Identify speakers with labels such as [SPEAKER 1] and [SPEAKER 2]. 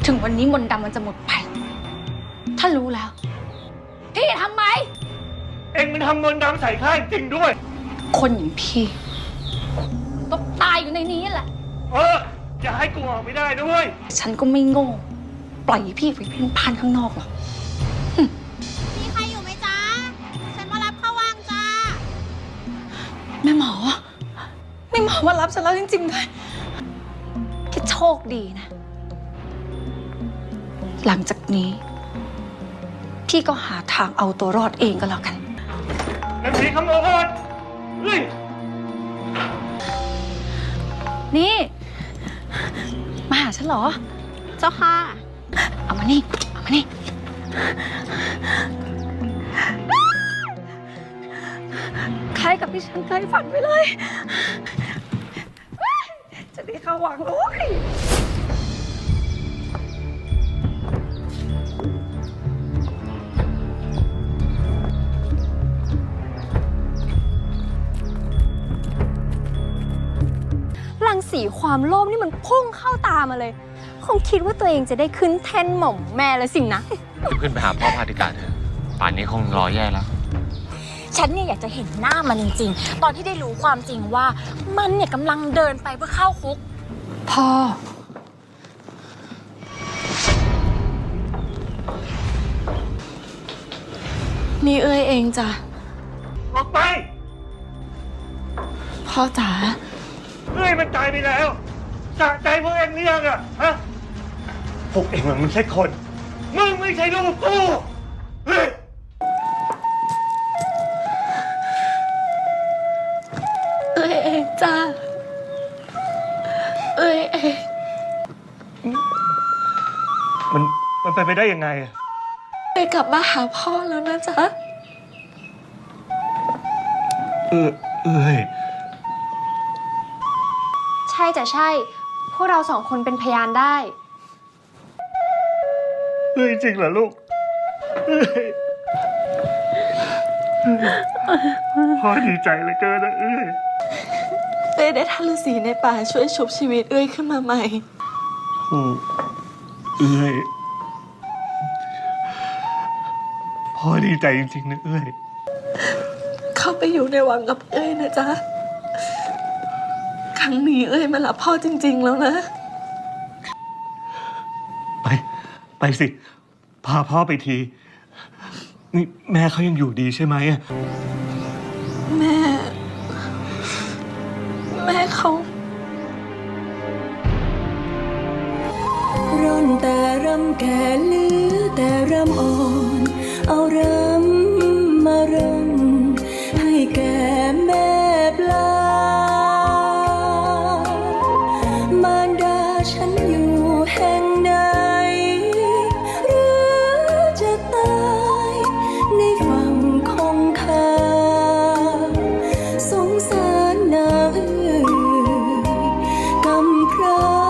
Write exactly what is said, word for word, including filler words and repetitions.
[SPEAKER 1] ถึงวันนี้มนต์ดำมันจะหมดไปถ้ารู้แล้วพี่ทำไหม
[SPEAKER 2] เอ็งมันทำมนต์ดำใส่ข้าจริงด้วย
[SPEAKER 1] คนอย่างพี่ต้องตายอยู่ในนี้แหละ
[SPEAKER 2] เอออย่าให้กูออกไม่ได้ด้วย
[SPEAKER 1] ฉันก็ไม่โง่ปล่อยพี่ไปเพ่นพ่านข้างนอกหรอก
[SPEAKER 3] มีใครอยู่ไหมจ๊ะฉันมารับเข้าว่างจ้า
[SPEAKER 1] แม่หมอแม่หมอมารับฉันแล้วจริงๆด้วยแค่โชคดีนะหลังจากนี้พี่ก็หาทางเอาตัวรอดเองก็แล้วกัน
[SPEAKER 2] นางผีขโมยเฮ้ย
[SPEAKER 1] นี่มาหาฉันเหรอ
[SPEAKER 3] เจ้าค่ะ
[SPEAKER 1] เอามานี่เอามานี่คล้ายกับที่ฉันเคยฝันไปเลยจะได้เข้าวังเลย
[SPEAKER 4] รังสีความโลภนี่มันพุ่งเข้าตามาเลยคงคิดว่าตัวเองจะได้ขึ้นแท่นหม่อมแม่แล้วสินะ
[SPEAKER 5] รีบขึ้นไปหาพ่อพาติกาเถอะป่านนี้คงรอแย่แล้ว
[SPEAKER 4] ฉันเนี่ยอยากจะเห็นหน้ามันจริงๆตอนที่ได้รู้ความจริงว่ามันเนี่ยกำลังเดินไปเพื่อเข้าคุก
[SPEAKER 1] พ่อนี่เอ้ยเองจ้ะ
[SPEAKER 2] ออกไป
[SPEAKER 1] พ่อจ๋า
[SPEAKER 2] เอ้ยมันตายไปแล้วสะใจพวกเอ็งหรือยังอะฮะพวกเอ็งมันไม่ใช่คนมึงไม่ใช่ลูกกูเฮ้ย
[SPEAKER 1] เอ้ยเองจ้าเอ้ยเอง
[SPEAKER 2] มันมันไปไปได้ยังไงอะ
[SPEAKER 1] ไปกลับมาหาพ่อแล้วนะจ๊ะ
[SPEAKER 2] เออเอ้ย
[SPEAKER 4] ใช่จะใช่พวกเราสองคนเป็นพยานได้
[SPEAKER 2] เอ้ยจริงเหรอลูกเอ้ยพ่อดีใจเหลือเกินนะเอ้ย
[SPEAKER 1] เอ้ยได้ท่านฤาษีในป่าช่วยชุบชีวิตเอ้ยขึ้นมาใหม่
[SPEAKER 2] โอ้เอ้ยพ่อดีใจจริงๆนะเอ้ย
[SPEAKER 1] เข้าไปอยู่ในวังกับเอ้ยนะจ๊ะครั้งนี้เอ้ยมารับพ่อจริงๆแล้วนะ
[SPEAKER 2] ไปไปสิพาพ่อไปทีนี่แม่เขายังอยู่ดีใช่ไหมอะ
[SPEAKER 1] แม่แม่เขา
[SPEAKER 6] ร่อนแต่รำแก่เหลือแต่รำอ่อนเอารำมารำให้แก่แม่ปลามารดาฉันอยู่แห่งใดหรือจะตายในฝั่งคงคาสงสารนางเอ๋ยกำพร้า